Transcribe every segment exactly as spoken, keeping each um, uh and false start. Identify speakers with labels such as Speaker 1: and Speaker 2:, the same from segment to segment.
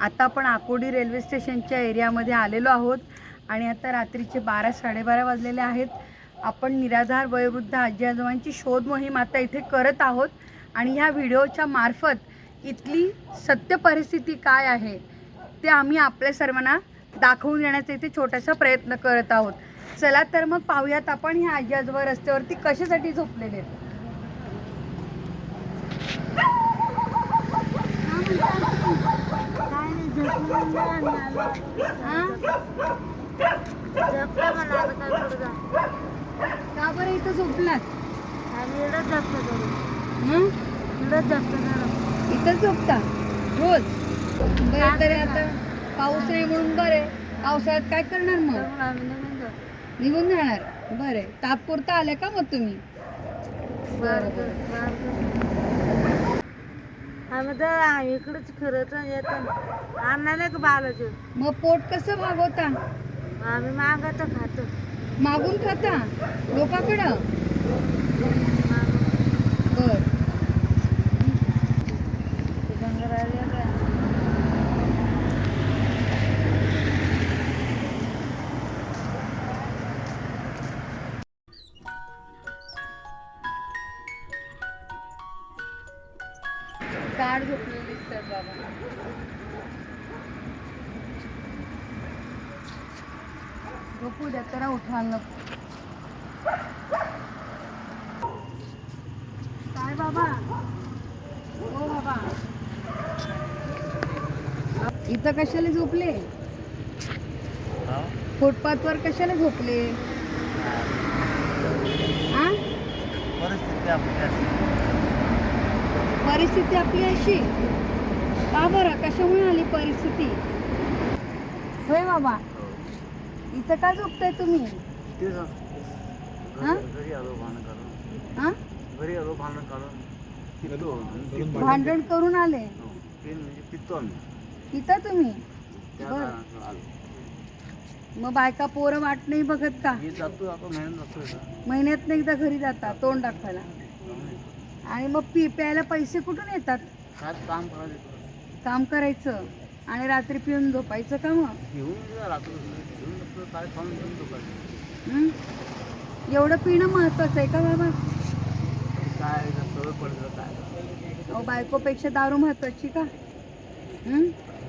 Speaker 1: आता आपण आकोडी रेल्वे स्टेशनच्या एरियामध्ये आलेलो आहोत आणि आता रात्रीचे बारा साडेबारा वाजलेले आहेत. आपण निराधार वयोवृद्ध आजी आजोबांची शोध मोहीम आता इथे करत आहोत आणि ह्या व्हिडिओच्या मार्फत इथली सत्य परिस्थिती काय आहे ते आम्ही आपल्या सर्वांना दाखवून देण्याचा इथे छोटासा प्रयत्न करत आहोत. चला तर मग पाहूयात आपण ह्या आजी आजोबा रस्त्यावरती कशासाठी झोपलेले आहेत. का बरं इथं झोपलात? इथंच झोपता रोज? बरं तरी आता पाऊस नाही म्हणून बरे. पावसाळ्यात काय करणार मग? निघून जाणार. बरे तात्पुरता आले का मग तुम्ही?
Speaker 2: आम्ही तर इकडेच खरंच येतो आणायला का बालाचं.
Speaker 1: मग पोट कसं भागवता?
Speaker 2: आम्ही मागत खातो.
Speaker 1: मागून खाता लोकांकडं? बर गाड झोपलेली दिसतात बाबा. झोपू द्या तर उठवा नको. काय बाबा? हो बाबा इथं कशाला झोपले? फुटपाथवर कशाला झोपले? हा परिस्थिती आपली अशी का बरं? कशामुळे आली परिस्थिती? होय बाबा इथं का झोपताय तुम्ही? भांडण करून आले इथं तुम्ही? मग बायका पोरं वाट नाही बघत का? महिन्यात एकदा घरी जातात तोंड दाखवायला आणि मग पी प्यायला पैसे कुठून येतात?
Speaker 2: काम
Speaker 1: काम करायचं आणि रात्री पिऊन झोपायचं का? मग हं? एवढं पिणं महत्वाचं आहे का बाबा? अहो बायकोपेक्षा दारू महत्वाची का? हं?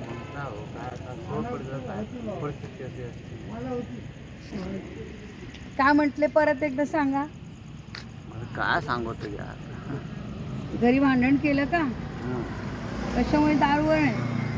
Speaker 1: काय म्हटले परत एकदा सांगा.
Speaker 2: काय सांगतो यार.
Speaker 1: घरी भांडण केलं का? कशामुळे? दारूवर आहे.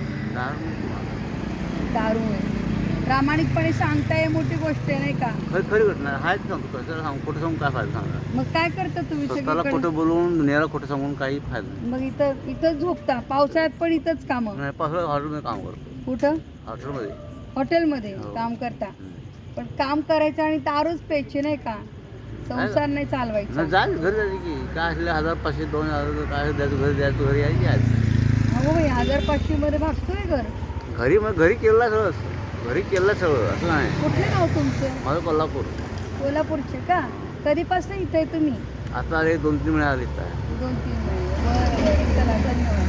Speaker 1: दारू आहे. प्रामाणिकपणे सांगताय मोठी गोष्ट आहे नाही का?
Speaker 2: खरी खरी घटना आहेच. सांगतो कसं सांग खोटं सांगून काय फायदा सांगा.
Speaker 1: मग काय करता तुम्ही?
Speaker 2: स्वतःला खोटं बोलून दुनियाला खोटं सांगून काही फायदा नाही.
Speaker 1: मग इथं इथंच झोपता? पावसाळ्यात पण इथंच काम?
Speaker 2: नाही पावसाळ्यात हॉटेलमध्ये काम करतो.
Speaker 1: कुठं?
Speaker 2: हॉटेलमध्ये.
Speaker 1: हॉटेलमध्ये
Speaker 2: हो.
Speaker 1: काम करता? पण काम करायचं आणि दारूच प्यायची नाही का? संसार नाही चालवायचा.
Speaker 2: जा घरी जायची की काय असले हजार पाचशे दोन हजार काय द्यायचं घरी द्यायचं घरी यायची आज.
Speaker 1: हो भाई हजार पाचशे मध्ये भागतोय घर.
Speaker 2: घरी मग घरी केलं सगळं घरी केलं सगळं असं नाही.
Speaker 1: कुठले नाव तुमचं?
Speaker 2: माझं कोल्हापूर.
Speaker 1: कोल्हापूरचे का? कधीपासून इथे आहे तुम्ही?
Speaker 2: आता आले दोन तीन महिने आले काय.
Speaker 1: दोन तीन महिने. बरं बरं चला धन्यवाद.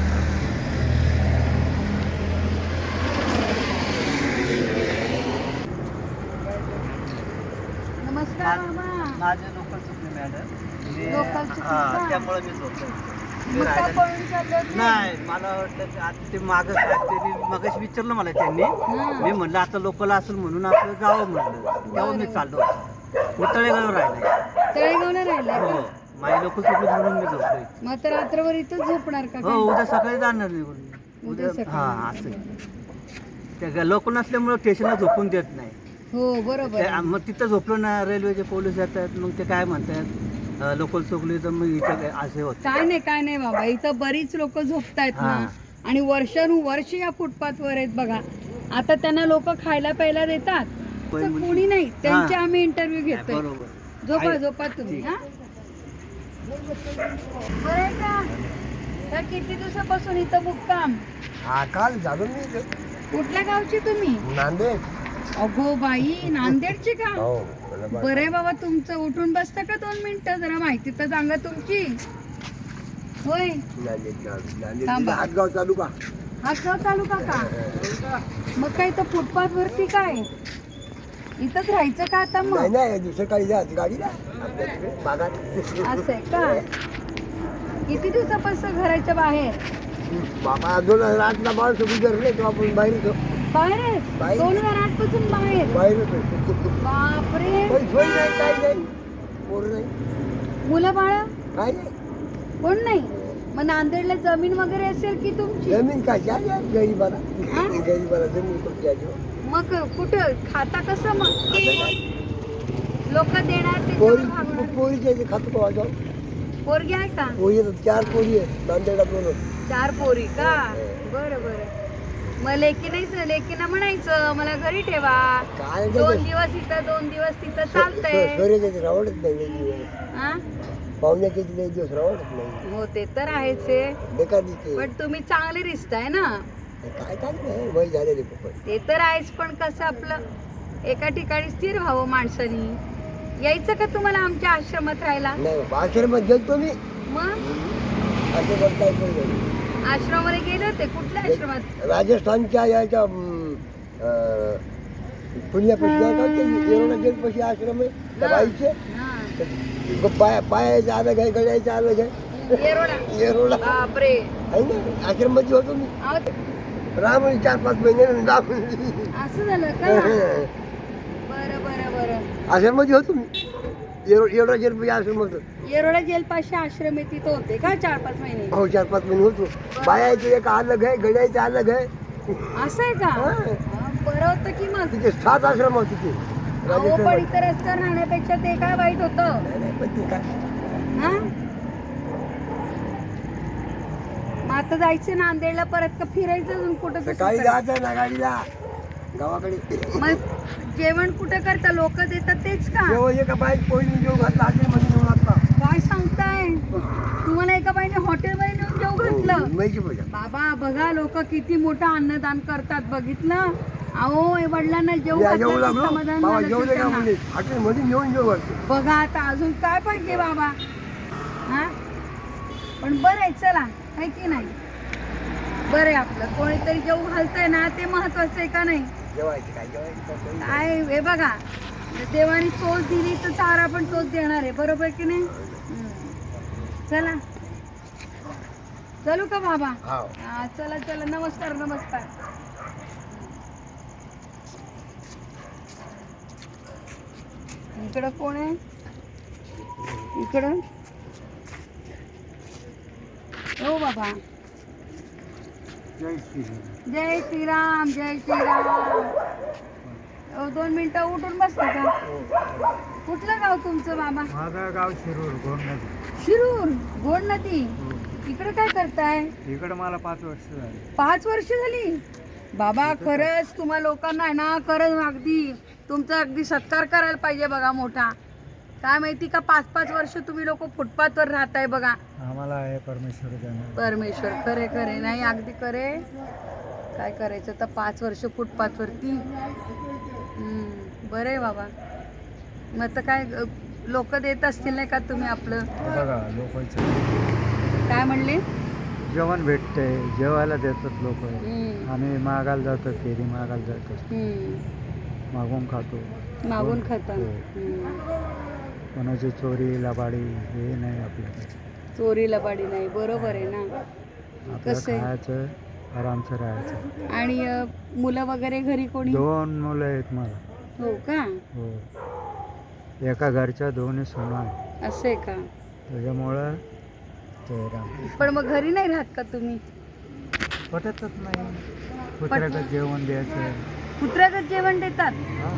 Speaker 1: नमस्कार मामा.
Speaker 2: माझे लोकल चुकले मॅडम.
Speaker 1: लोकल चुकले का?
Speaker 2: त्यामुळे मी झोपलो.
Speaker 1: मग का पळून चालले होते?
Speaker 2: नाही मला वाटलं आता ते मागं त्यांनी मगाशी विचारलं मला त्यांनी.
Speaker 1: हां.
Speaker 2: मी म्हणलं आता लोकल असेल म्हणून आपलं जावं म्हटलं. तेव्हा मी चाललो होतो. मी तळेगाव राहिलाय.
Speaker 1: तळेगावला राहिलाय
Speaker 2: हो
Speaker 1: का?
Speaker 2: माझी लोकल चुकली म्हणून मी झोपलोय.
Speaker 1: मग आता रात्रभर इथंच झोपणार का?
Speaker 2: हो
Speaker 1: काय?
Speaker 2: उद्या सकाळी जाणार नाही
Speaker 1: उद्या
Speaker 2: उद्या
Speaker 1: सकाळी.
Speaker 2: हां असं त्या लोकल नसल्यामुळे स्टेशनला झोपून देत नाही.
Speaker 1: हो बरोबर
Speaker 2: ते- मग तिथं झोपलो ना रेल्वेचे पोलीस येतात मग ते काय म्हणतात लोकल चुकली तर मग इथं काय असे होत.
Speaker 1: काय नाही काय नाही बाबा इथं बरीच लोक झोपतायत ना
Speaker 2: हां.
Speaker 1: आणि वर्षानुवर्ष या फुटपाथवर आहेत बघा. आता त्यांना लोक खायला प्यायला देतात
Speaker 2: पण
Speaker 1: तर
Speaker 2: म्हणजे-
Speaker 1: कोणी नाही त्यांचे
Speaker 2: हां.
Speaker 1: आम्ही इंटरव्ह्यू घेतोय.
Speaker 2: बरोबर
Speaker 1: झोपा
Speaker 2: आहे.
Speaker 1: झोपा तुम्ही. हा बरं आहे का? तर किती दिवसापासून इथं मुक्काम?
Speaker 3: हा काल झालो मी इथे.
Speaker 1: कुठल्या गावची तुम्ही?
Speaker 3: नांदेड.
Speaker 1: अगो बाई नांदेडची का?
Speaker 3: हो मला बा-
Speaker 1: बरं आहे बाबा तुमचं. उठून बसता का दोन मिनिटं? जरा माहिती तर सांगा तुमची. होय
Speaker 3: नांदेड नांदेड
Speaker 1: थांबा.
Speaker 3: हातगाव तालुका.
Speaker 1: हातगाव तालुका का? मग काय तर फुटपाथ वरती काय इथंच राहायचं का आता
Speaker 3: नाही
Speaker 1: मग?
Speaker 3: नाही दुसरं काही जा गाडीला आपल्या तिकडे भागात
Speaker 1: असं आहे का? किती दिवसापासून घराच्या बाहेर?
Speaker 3: बाबा दोन हजार आठला माणसं गुजरले तेव्हा आपण बाहेर होतो
Speaker 1: बाहेर आहे?
Speaker 3: बाहेर.
Speaker 1: दोन हजार आठ पासून बाहेर?
Speaker 3: बाहेर होतो
Speaker 1: बापरे.
Speaker 3: काही सोय नाही काही नाही पोरं नाही
Speaker 1: मुलं बाळा
Speaker 3: काय नाही
Speaker 1: कोण नाही? मग नांदेडला जमीन वगैरे असेल की तुमची?
Speaker 3: जमीन काय झाली आहे गरीबाला
Speaker 1: हा?
Speaker 3: गरीबाला जमीन कुठे द्यायची
Speaker 1: मग कुठं खाता कसं मग?
Speaker 3: आता काय
Speaker 1: लोक देणार ते
Speaker 3: पोरी
Speaker 1: जेवण भागवणार.
Speaker 3: पोरीच्या इथे खातो का वाजव
Speaker 1: पोरगी आहे का?
Speaker 3: पोरी येतात चार पोरी आहेत नांदेडला दोन
Speaker 1: चार पोरी का? बरं बरं. मग लेकी नाही, लेकीना म्हणायचं मला घरी ठेवा,
Speaker 3: काय
Speaker 1: दोन दिवस इथं दोन दिवस तिथं चालतंय.
Speaker 3: सोयऱ्याच्या रावडत नाही लई दिवस
Speaker 1: हा?
Speaker 3: पाहुण्याच्या इथे लई दिवस रावडत नाही
Speaker 1: हो ते तर आहेच आहे.
Speaker 3: बेकार दिसते
Speaker 1: पण तुम्ही चांगले रिश्ताय ना.
Speaker 3: काय काय नाही वय झालेले खूपच
Speaker 1: ते तर आहेच, पण कसं आपलं एका ठिकाणी स्थिर व्हावं माणसानी. यायचं का तुम्हाला आमच्या आश्रमात राहायला?
Speaker 3: नाही बाबा आश्रमात गेलतो मी
Speaker 1: मग
Speaker 3: आश्रमात काय करू
Speaker 1: आश्रमामध्ये गेले होते? कुठल्या आश्रमात?
Speaker 3: राजस्थानच्या याच्या अं, अं, पुण्यापाशी नाही का ते येरवडा जेलपाशी आश्रम आहे त्या बाईचे
Speaker 1: हा.
Speaker 3: पाय पायाचं अलग आहे गळ्याचं अलग आहे
Speaker 1: येरोडा.
Speaker 3: येरवडा
Speaker 1: बापरे.
Speaker 3: आहे ना आश्रममध्ये होतो मी
Speaker 1: अहो,
Speaker 3: राम चार पाच महिने राम
Speaker 1: असं झालं का? बरं बरं बरं.
Speaker 3: आश्रममध्ये होतो मी येरो येरवडा जेलपाशी आश्रम होतो
Speaker 1: येरोडा जेल पाशी आश्रम आहे तिथं होते का चार पाच महिने?
Speaker 3: हो चार पाच महिने होतो बायाचं एक अलग आहे गळ्याचं अलग आहे
Speaker 1: असं आहे का?
Speaker 3: हा.
Speaker 1: हा, बरं होतं की मग.
Speaker 3: तिथे सात आश्रम होते तिथे
Speaker 1: अहो पण
Speaker 3: राजस्थानमध्ये.
Speaker 1: इतर रस्त्यावर राहण्यापेक्षा ते काय वाईट होतं?
Speaker 3: नाही, नाही, पण ते काय
Speaker 1: हा? मग आता जायचं नांदेडला परत का फिरायचं अजून कुठं
Speaker 3: सकाळी
Speaker 1: दुसरीकडे?
Speaker 3: जायचं ना गाडीला गावाकडे
Speaker 1: मग जेवण कुठं करता? लोक देतात तेच का?
Speaker 3: जेव्हा एका बाईक पोळी जेव घातला आधी मध्ये जेवण घातला
Speaker 1: काय सांगताय? तुम्हाला एका बाईने हॉटेलमध्ये नेऊन जेव घातलं?
Speaker 3: मुंबईची पूजा
Speaker 1: बाबा बघा लोक किती मोठं अन्नदान करतात, बघितलं? अहो आई वडिलांना जेव
Speaker 3: या जेवू
Speaker 1: घातलं की
Speaker 3: लागलो
Speaker 1: समाधान
Speaker 3: बाबा
Speaker 1: झालं
Speaker 3: जेवले
Speaker 1: की
Speaker 3: का
Speaker 1: त्यांना.
Speaker 3: म्हणजे हॉटेल मध्ये जेवण जेव घालतो
Speaker 1: बघा आता अजून काय पाहिजे बाबा. हा पण बरं आहे चला, आहे की नाही? बरं आहे आपलं कोणीतरी जेव घालतंय ना, ते महत्वाचं आहे का नाही?
Speaker 3: जेवायचं काय जेवायचं काय
Speaker 1: काय हे बघा, देवाने चोच दिली तर चारा पण तोच देणार आहे, बरोबर की नाही? हम्म. चला चलू का बाबा?
Speaker 3: हाव.
Speaker 1: हा, चला चला. नमस्कार नमस्कार. इकडं कोण आहे? इकडं हो बाबा.
Speaker 3: जय श्री
Speaker 1: जय श्रीराम जय श्रीराम. अहो, दोन मिनिटं उठून बसता का? कुठलं गाव तुमचं बाबा?
Speaker 2: माझं गाव शिरूर गोंड नदी
Speaker 1: शिरूर गोंड नदी. इकडे काय करताय?
Speaker 2: इकडे मला पाच वर्ष झाली
Speaker 1: पाच वर्ष झाली बाबा. खरंच तुम्हा लोकांना आहे ना, खरंच अगदी तुमचा अगदी सत्कार करायला पाहिजे बघा मोठा. काय माहिती का, पाच पाच वर्ष तुम्ही लोक फुटपाथवर राहताय बघा.
Speaker 2: आम्हाला आहे परमेश्वर
Speaker 1: परमेश्वर खरे खरे नाही अगदी खरे. काय करायचं तर पाच वर्ष फुटपाथवरती. हम्म, बरं आहे बाबा. मग तर काय लोक देत असतील नाही का तुम्ही आपलं?
Speaker 2: बघा लोकांचं
Speaker 1: काय म्हणले?
Speaker 2: जेवण भेटते, जेवायला देतात लोक.
Speaker 1: हम्म,
Speaker 2: आम्ही मागायला जातो, फेरी मागायला जातो,
Speaker 1: हम्म.
Speaker 2: मागून खातो.
Speaker 1: मागून खाता.
Speaker 2: हो.
Speaker 1: हम्म.
Speaker 2: कोणाची चोरी लबाडी हे नाही आपल्याकडे.
Speaker 1: चोरी लबाडी नाही, बरोबर आहे ना.
Speaker 2: आपलं
Speaker 1: कसं आहे?
Speaker 2: खायचं आरामचं राहायचं.
Speaker 1: आणि अ, मुलं वगैरे घरी कोणी?
Speaker 2: दोन मुलं आहेत मला.
Speaker 1: हो का?
Speaker 2: हो, एका घरच्या दोन्ही सुना आहे.
Speaker 1: असं आहे का?
Speaker 2: त्याच्यामुळं ते राम
Speaker 1: पण मग घरी नाही राहत का तुम्ही?
Speaker 2: पटतच नाही. कुत्र्याचं जेवण द्यायचं.
Speaker 1: कुत्र्याचं जेवण देतात?
Speaker 2: हा.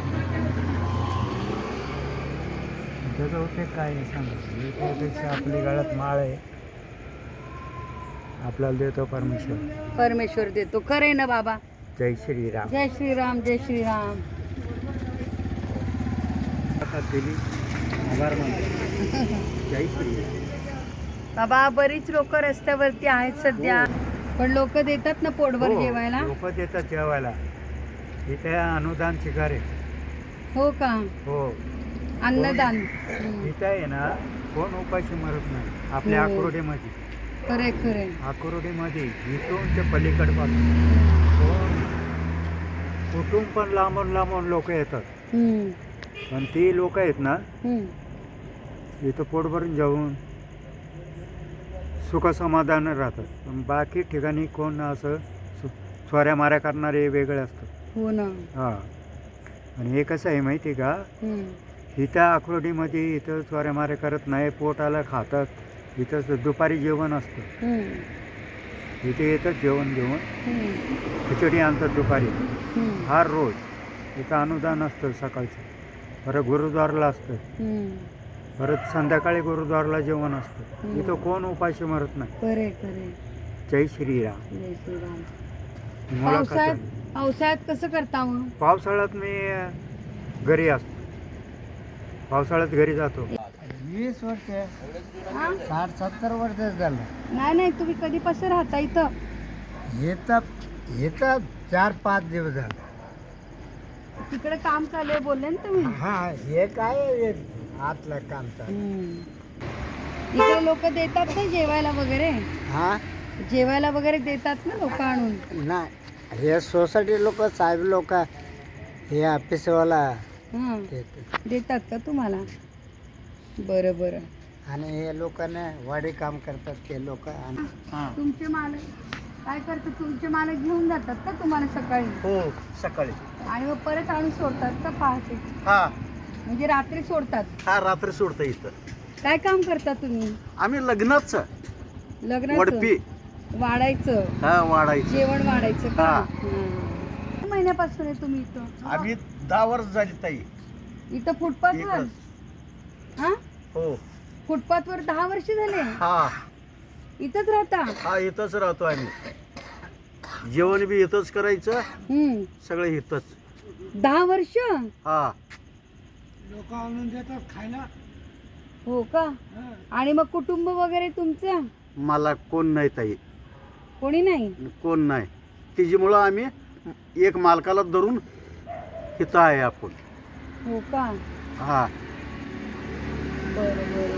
Speaker 2: त्याचा उपयोग काय आहे सांगा? त्यापेक्षा आपली गळ्यात माळ आहे, आपल्याला देतो परमेश्वर.
Speaker 1: परमेश्वर देतो. खरं आहे ना बाबा?
Speaker 2: जय श्रीराम.
Speaker 1: जय श्रीराम जय श्रीराम.
Speaker 2: दिली आभार मानतो. जय श्रीराम.
Speaker 1: बाबा बरीच लोक रस्त्यावरती आहेत सध्या, पण लोक देतात ना पोटभर जेवायला?
Speaker 2: लोक देतात जेवायला. इथे अनुदान शिकार आहे.
Speaker 1: हो का?
Speaker 2: हो,
Speaker 1: अन्नदान. हम्म.
Speaker 2: इथं आहे ना कोण उपाशी मरत नाही आपल्या
Speaker 1: हो.
Speaker 2: आकुर्डीमध्ये.
Speaker 1: खरे खरे
Speaker 4: आकुर्डीमध्ये इथून ते पलीकडपासून कोण कुठून पण लांबून लांबून लोक येतात.
Speaker 1: हम्म,
Speaker 4: पण ती लोक आहेत ना
Speaker 1: हम्म.
Speaker 4: इथं पोट भरून जाऊन सुखसमाधान राहतात. पण बाकी ठिकाणी कोण असं सु- चोऱ्या माऱ्या करणारे वेगळे असतात.
Speaker 1: हो ना.
Speaker 4: हां. आणि हे कसं आहे माहिती आहे का,
Speaker 1: हम्म,
Speaker 4: इथं आकुर्डीमध्ये इथं चोऱ्या माऱ्या करत नाही, पोटाला खातात. इथं दुपारी जेवण असतं,
Speaker 1: हम्म,
Speaker 4: इथे येतात जेवण घेऊन,
Speaker 1: हम्म,
Speaker 4: खिचडी आणतात दुपारी
Speaker 1: हम्म,
Speaker 4: हर रोज. इथं अनुदान असतं सकाळचं, परत गुरुद्वारला असतं,
Speaker 1: हम्म.
Speaker 4: परत संध्याकाळी गुरुद्वारला जेवण असतं.
Speaker 1: हम्म.
Speaker 4: इथं कोण उपाशी मरत नाही.
Speaker 1: खरे खरे.
Speaker 4: जय श्रीराम.
Speaker 1: जय श्रीराम.
Speaker 4: मुलाखत
Speaker 1: पावसाळ्यात
Speaker 4: आहे.
Speaker 1: पावसाळ्यात कसं करता मग?
Speaker 4: पावसाळ्यात मी अ, घरी असतो. पावसाळ्यात घरी जातो.
Speaker 2: वीस वर्ष
Speaker 1: हा?
Speaker 2: साठ सत्तर वर्ष झालं.
Speaker 1: नाही नाही, तुम्ही कधीपासून राहता इथं?
Speaker 2: येतात येतात चार पाच दिवस झाले.
Speaker 1: तिकडे काम चालू आहे बोलले ना तुम्ही.
Speaker 2: हा हे काय हे आतलं काम चालू.
Speaker 1: हम्म. इकडे लोक देतात ना जेवायला वगैरे?
Speaker 2: हा
Speaker 1: जेवायला वगैरे देतात ना लोक आणून?
Speaker 2: नाही हे सोसायटी लोक साहेब लोक हे ऑफिसवाला
Speaker 1: हा,
Speaker 2: देतात.
Speaker 1: देतात का तुम्हाला? बरं बरं.
Speaker 2: आणि हे लोकांना वाडी काम करतात ते लोक.
Speaker 1: तुमचे मालक काय करतात? तुमचे मालक घेऊन जातात का तुम्हाला सकाळी?
Speaker 2: हो सकाळी.
Speaker 1: आणि मग परत आणून सोडतात का पहाटे?
Speaker 2: हा
Speaker 1: म्हणजे रात्री सोडतात?
Speaker 2: हा रात्री सोडतं इथं.
Speaker 1: काय काम करता तुम्ही?
Speaker 2: आम्ही लग्नाच
Speaker 1: लग्नाचं?
Speaker 2: वडपी
Speaker 1: वाढायचं,
Speaker 2: हा वाढायचं.
Speaker 1: जेवण वाढायचं का?
Speaker 2: हा.
Speaker 1: हं. किती महिन्यापासून आहे तुम्ही इथं?
Speaker 2: आम्ही दहा वर्ष झाली ताई.
Speaker 1: इथं फुटपाथवर?
Speaker 2: इकडंच.
Speaker 1: हा,
Speaker 2: हो
Speaker 1: फुटपाथवर दहा वर्ष झाले
Speaker 2: हा
Speaker 1: इथंच राहता?
Speaker 2: हा इथंच राहतो आम्ही. जेवण बी इथंच करायचं,
Speaker 1: हम्म.
Speaker 2: सगळं इथंच.
Speaker 1: दहा वर्ष?
Speaker 2: हा
Speaker 3: लोक आणून देतात खायला.
Speaker 1: हो का? आणि मग कुटुंब वगैरे तुमचं
Speaker 2: मला कोण नाही ताई,
Speaker 1: कोणी नाही?
Speaker 2: कोण नाही. तिच्यामुळं आम्ही एक मालकाला धरून इथं आहे आपण.
Speaker 1: हो का?
Speaker 2: हा
Speaker 1: बरं बरं.